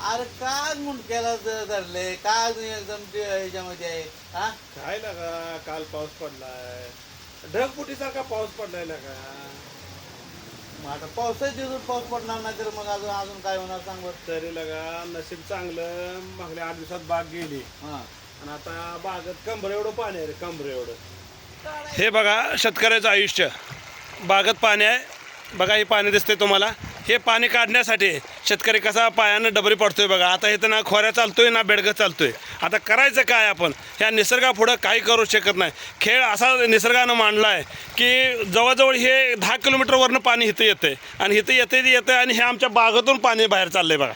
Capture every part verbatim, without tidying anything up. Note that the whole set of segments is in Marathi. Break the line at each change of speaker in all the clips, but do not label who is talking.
अरे काय मुंडक्याला ज- धरले काय तुम्ही एकदम ते ह्याच्यामध्ये आहे हा
काय लागा काल पाऊस पडलाय ढगफुटीसारखा पाऊस पडलाय लागा.
मग आता पावसाच्या दिवसात पाऊस पडणार नाही तर मग अजून अजून काय होणार सांग बरं.
तरी लगा नशीब चांगलं मागल्या आठ दिवसात बाग गेली
हा
आणि आता बागेत कमरे एवढं पाणी आहे रे कमरे एवढं. हे बघा शेतकऱ्याचं आयुष्य बागेत पाणी आहे बघा. हे पाणी दिसतंय तुम्हाला. हे पाणी काढण्यासाठी शेतकरी कसा पायानं डबरी पडतोय बघा. आता इथं ना खोऱ्या चालतोय ना बेडगं चालतोय. आता करायचं काय आपण ह्या निसर्गापुढं काही करू शकत नाही. खेळ असा निसर्गानं मांडला आहे की जवळजवळ हे दहा किलोमीटरवरनं पाणी इथं येतंय आणि इथं येते येतं आणि हे आमच्या बागेतून पाणी बाहेर चाललंय बघा.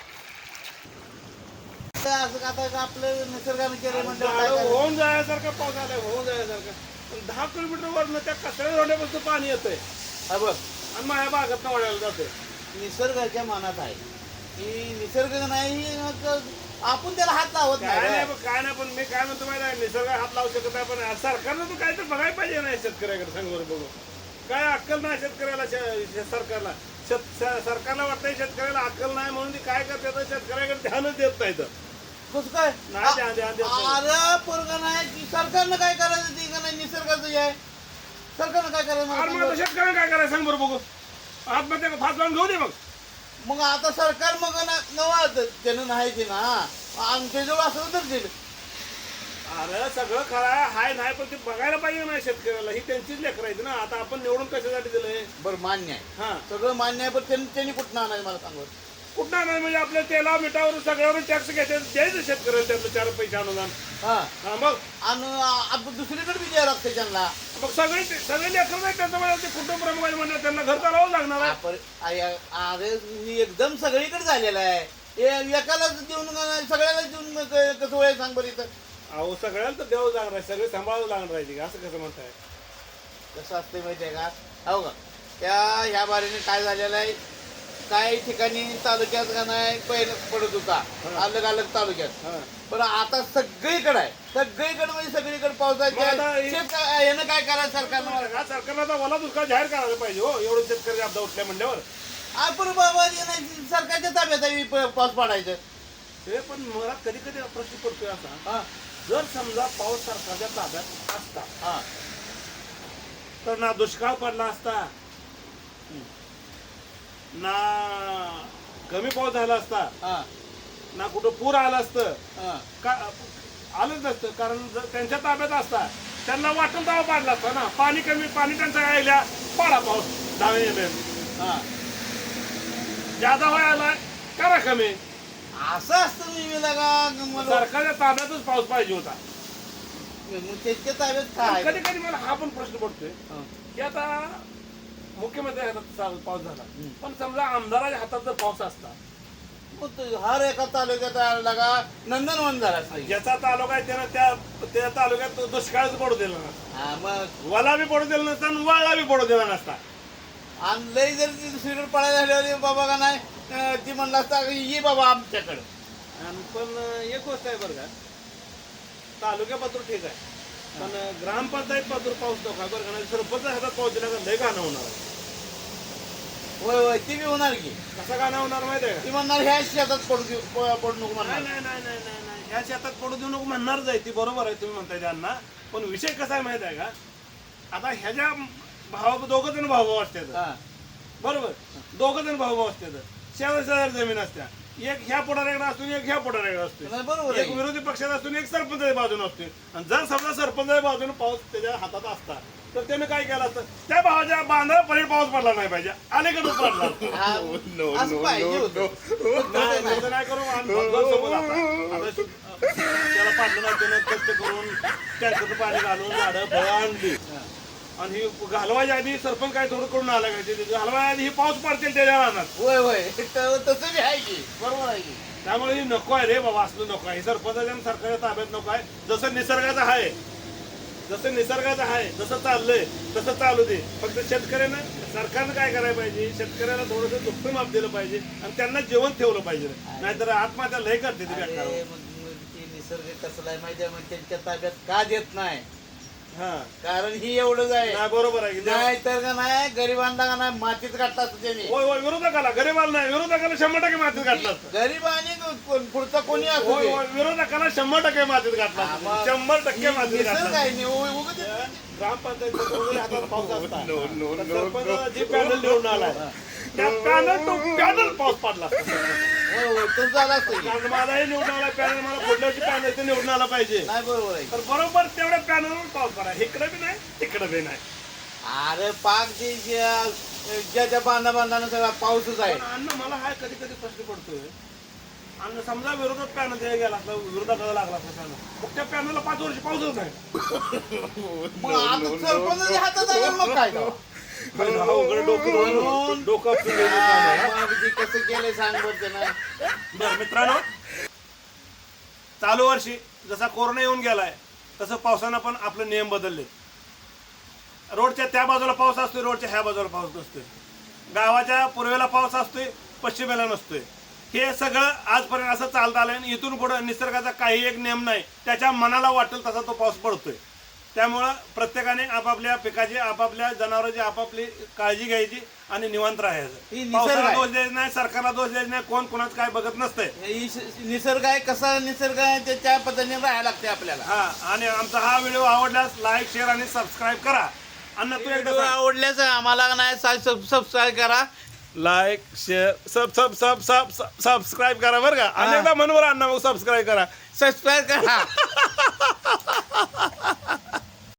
तर असं आता आपलं निसर्गाने केलं म्हणजे काय
झाडं
करायचं?
होऊन जायसारखा पाऊस आलाय होऊन जायसारखा. पण दहा किलोमीटरवरनं त्या कचऱ्या रोड्यापासून पाणी येतंय
हा बघ
आणि माझ्या बागेतनं वळायला जाते.
निसर्गाच्या मनात आहे की निसर्ग नाही मग आपण त्याला हात लावत
काय
नाही
नाही
रे.
काय नाही पण मी काय म्हणतो माहिती आहे निसर्ग हात लावू शकत नाही पण सरकारनं तर काय तर बघायला पाहिजे नाही शेतकऱ्याकडे सांग बरं बघू. काय अक्कल नाही शेतकऱ्याला शे- शे- सरकारला शेत स- सरकारला वाटतंय शेतकऱ्याला अक्कल नाही म्हणून ती काय करते तर शेतकऱ्याकडे ध्यानच देत नाही तर.
कसं काय
नाही ध्यान ध्यान देत नाही.
अरे पोरगा नाही की सरकारनं काय करायचं ते का नाही निसर्गाचं हे आहे सरकारनं काय करायचं मला
अरे
सांग
मग आता
बरं.
शेतकऱ्याला काय करायचं सांग बरं बघू. आत्महत्या फास लावून घेऊ दे मग.
मग आता सरकार मग ना नवा त्यानं नाही की ना आमच्याजवळ असं तर दिलं
अरे सगळं खरं आहे हाय नाही पण ते बघायला पाहिजे ना शेतकऱ्याला. ही त्यांचीच लेकर आहेत ना. आता आपण निवडून कशासाठी दिलंय.
बरं मान्य आहे
हा
सगळं मान्य आहे पण त्यांनी त्यांनी कुठं आणायचं मला सांग बरं.
कुठं नाही म्हणजे आपल्या तेला मिठावर सगळ्यावर टॅक्स घ्यायचे द्यायचं शेतकऱ्याला त्यातलं चार पैसे अनुदान.
हा
हा मग
आणि आपण दुसरीकडे बी द्यायला लागतं त्यांना
मग सगळे सगळे लेकर नाही त्यांचं मला ते कुटुंब प्रमुख आहे म्हणजे त्यांना घर चालवावं लागणार आहे.
आपण आ- अरे मी एकदम सगळीकडे झालेला आहे हे एकालाच देऊन सगळ्याला देऊन क- कसं वय सांग बरं इथं
अहो सगळ्याला तर द्यावं लागणार आहे सगळे सांभाळावं लागणार आहे असं कसं म्हणताय.
कसं असते माहिती आहे का हो का त्या ह्या बारीने काय झालेलं आहे काही ठिकाणी तालुक्यात का नाही पहिलं पडत होता अलग अलग तालुक्यात
हा
पण आता सगळीकडे आहे सगळीकडे म्हणजे सगळीकडे पावसाच्या
मग आता हे-
शेत- यानं काय करायचं सरकारनं
हा सरकारला आता मला दुष्काळ जाहीर करायला पाहिजे हो एवढं शेतकरी आपदा उठल्या म्हणल्यावर.
आपण बाबा हे नाही, सरकारच्या ताब्यात आहे प- पाऊस पडायचं
हे पण मला कधी कधी प्रश्न पडतोय असा
हा
जर समजा पाऊस सरकारच्या ताब्यात असता
हा
तर ना दुष्काळ पडला असता ना कमी पाऊस झाला असता
हा
ना कुठं पूर आलं असतं
हा
का आलंच नसतं कारण जर त्यांच्या ताब्यात असता त्यांना वाटून दावा पाडला असता ना. पाणी कमी पाणी त्यांचा यायला पाडा पाऊस दहा एम एम
हा
जादा व्हायला करा कमी.
असं असतं मी लगा मला
सरकारच्या ताब्यातच पाऊस पाहिजे होता.
मग त्याच्या ताब्यात काय
कधी कधी मला हा पण प्रश्न पडतोय
हा.
की आता मुख्यमंत्री हातात चा- पाऊस झाला
हम्म.
पण समजा आमदाराच्या हातात जर पाऊस असता
मग तो हर एका तालुक्यात लगा नंदनवन झाला पाहिजे
ज्याचा तालुका आहे त्यानं त्या त्या तालुक्यात दुष्काळच पडू दिला नसता.
हा मग
वला बी पडू दिला नसता आणि वाळला बी पडू दिला नसता.
आणि लई जर ती दुसरीकडे पडायला झाल्यावर बाबा का नाही अं, ती म्हणला असता की ये बाबा आमच्याकडे
आणि पण एक गोष्ट आहे बरं का तालुक्या पात्र ठीक आहे पण ग्रामपंचायत पात्र पाऊस नको आहे बरं का नाही सरपंच हातात पाऊस दिला का लय गाणं होणार आहे.
होय होय ती बी होणार की
कसा गाणं होणार माहिती आहे
ती म्हणणार ह्या शेतात पडू देऊ प- पडू नको
का
म्हणणार
नाही नाही नाही नाही नाही ह्या शेतात पडू देऊ नको म्हणणारच आहे ती बरोबर आहे तुम्ही म्हणताय त्यांना. पण विषय कसा आहे माहिती आहे का आता ह्याच्या भावा दोघं जण भाऊ भाऊ असतात
हा
बरोबर दोघं जण भाऊ भाऊ असतात शेजारी शेजारी जमीन असत्या एक ह्या पोटाऱ्याकडे असतो एक ह्या पोटाऱ्याकडे असतो.
नाही, बरोबर
एक
आहे
विरोधी पक्षात असून एक सरपंचाच्या बाजूने असतो. आणि जर समजा सरपंचाच्या बाजूने पाऊस त्याच्या हातात असता तर त्याने काय केलं असतं त्या भावाच्या बांधाला पलीकडे पाऊस पडला नाही पाहिजे अलीकडे पडला.
हा, असं पाहिजे होतं. पण तसं
नाही,
नाही.
तसं नाही करू आणि भगवान समोर आता आता शु- त्याला पाडलं नाही त्यानं कष्ट करून टँकरचं पाणी घालून झाडं फळं आणली आणि ही घालवायच्या आधी सरपंच काय थोडं करून आला काय घालवायच्या आधी ही पाऊस पडतील त्याच्या रानात.
होय होय त- तसं बी आहे की बरोबर आहे की
त्यामुळे ही नको आहे रे बाबा असलं नको आहे सरपंचाच्या आणि सरकारच्या ताब्यात नको आहे. जसं निसर्गाचं आहे जसं निसर्गाचं आहे जसं चाललंय तसं चालू दे. फक्त शेतकऱ्यानं सरकारनं काय करायला पाहिजे शेतकऱ्याला थोडंसं दुःख माप दिलं पाहिजे आणि त्यांना जेवण ठेवलं पाहिजे नाहीतर आत्महत्या लय करते ती बेकार.
अरे, मग मग ते निसर्ग कसला आहे माहिती आहे मग त्यांच्या ताब्यात का देत नाही
हा
कारण ही एवढंच आहे.
नाही बरोबर आहे की देवा-
नाही तर का नाही गरिबांना का नाही मातीत काढतात त्यांनी.
होय होय विरोधकाला गरीबाला नाही विरोधकाला शंभर टक्के मातीत घातलं
गरीब आणि कोण- पुढचा कोणी असू
होय
दे.
होय विरोधकाला शंभर टक्के मातीत
हा,
घातला
मग
शंभर टक्के
ही
मातीत
निसर्ग
घातला
आहे नि- उ- उगाच ते-
ग्रामपंचायत हातात पाऊस असता
No, no,
तर
no,
सरपंच
no.
जी पॅनल निवडून आलाय त्या पॅनल तो पॅनल पाऊस पडला
होय, होय, तो झाला असेल.
कारण मलाही निवडून आला पॅनल मला पुढल्या वर्षी पॅनल ते निवडून आला पाहिजे
नाही बरोबर आहे.
तर बरोबर तेवढ्या पॅनलवर पाऊस पडा इकडे बी नाही तिकडे बी नाही
अरे पाक जे ज्या ज्याच्या बांधा बांधानं सगळा पाऊसच आहे.
पण अन्न मला हा कधी कधी प्रश्न पडतोय अन्न समजा विरोधात पॅनल ते गेला असला विरोधात लागला असला पॅनल मग त्या पॅनलला पाच वर्ष पाऊसच नाही
मग आता सरपंचाच्या हातात आहे मग काय तेव्हा?
अरे अवघड डोकं
म्हणून-
डोकं आपटून गेलं काम आहे.
मग ते कसं केलंय सांग बरं त्यानं.
बरं मित्रांनो चालू वर्षी जसा कोरोना येऊन गेलाय तसं पावसानं पण आपले नियम बदलले. रोडच्या त्या बाजूला पाऊस असतोय रोडच्या ह्या बाजूला पाऊस नसतोय. गावाच्या पूर्वेला पाऊस असतोय पश्चिमेला नसतोय. हे सगळं आजपर्यंत असं चालत आलंय आणि इथून पुढं निसर्गाचा काही एक नियम नाही त्याच्या मनाला वाटेल तसा तो पाऊस पडतोय. त्यामुळं प्रत्येकाने आपापल्या पिकाची आपापल्या जनावरांची आपापली काळजी घ्यायची आणि निवांत
ही
राहायचं.
निसर्ग
पावसाला
आहे.
दोष द्यायचा नाही सरकारला दोष द्यायचा नाही कोण कोणाचं काय बघत नसतंय.
ही निसर्ग आहे कसा निसर्ग आहे ते त्या पद्धतीने राहायला लागते आपल्याला.
हा आणि आमचा हा व्हिडिओ आवडल्यास लाईक शेअर आणि सबस्क्राईब करा. अन्न तू एकदा
व्हिडिओ आवडल्यास आम्हाला नाही सबस्क्राईब करा.
Like share sub sub sub sub subscribe करा बरं का. अनेकदा म्हणून अण्णा मग सबस्क्राईब करा.
सबस्क्राईब करा.